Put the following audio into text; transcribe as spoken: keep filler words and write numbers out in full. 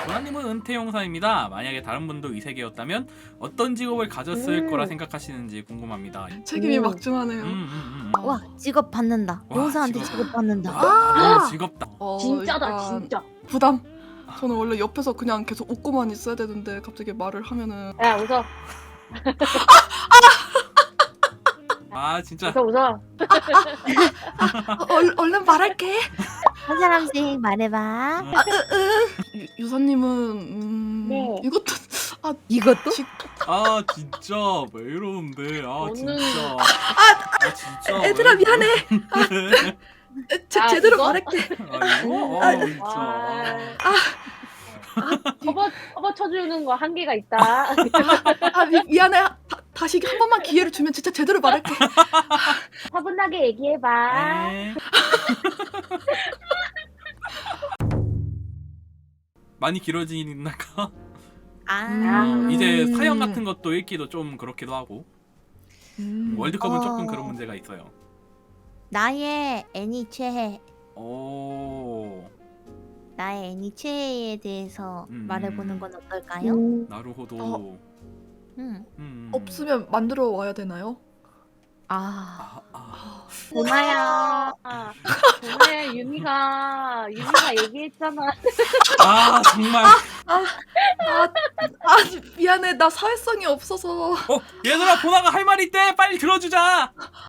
도나님은 은퇴용사입니다. 만약에 다른 분도 이 세계였다면 어떤 직업을 가졌을 음. 거라 생각하시는지 궁금합니다. 책임이 오. 막중하네요. 음, 음, 음. 와 직업 받는다. 와, 용사한테 직업. 직업 받는다. 와, 너무 즐겁다. 어, 진짜다 일단 진짜. 부담. 저는 원래 옆에서 그냥 계속 웃고만 있어야 되는데 갑자기 말을 하면은 야 웃어 아 진짜. 웃어 웃어. 어, 얼, 얼른 말할게. 한 사람씩 말해봐. 유, 유사님은 음, 네. 이것도 아 이것도? 지, 아 진짜 왜 이러는데? 아 저는- 진짜. 아 진짜. 애들아 왜 미안해. 이러는데? 제, 아, 제대로 이거? 말할게. 아 이거? 아, 아 진짜. 접어 접어 쳐주는 거 한계가 있다. 아 미, 미안해. 다, 다시 한 번만 기회를 주면 진짜 제대로 말할게. 차분하게 얘기해봐. 에. 많이 길어지니까 아. 음. 이제 사연 같은 것도 읽기도 좀 그렇기도 하고 음. 월드컵은 어. 조금 그런 문제가 있어요. 나의 애니 최애. 오 나의 애니 최애에 대해서 음. 말해보는 건 어떨까요? 나루호도. 어. 음. 음. 없으면 만들어 와야 되나요? 아. 아, 아. 보나야. 보나야 유미가 유미가 얘기했잖아. 아 정말. 아, 아 미안해. 나 사회성이 없어서. 어 얘들아 보나가 할 말이 있대. 빨리 들어주자.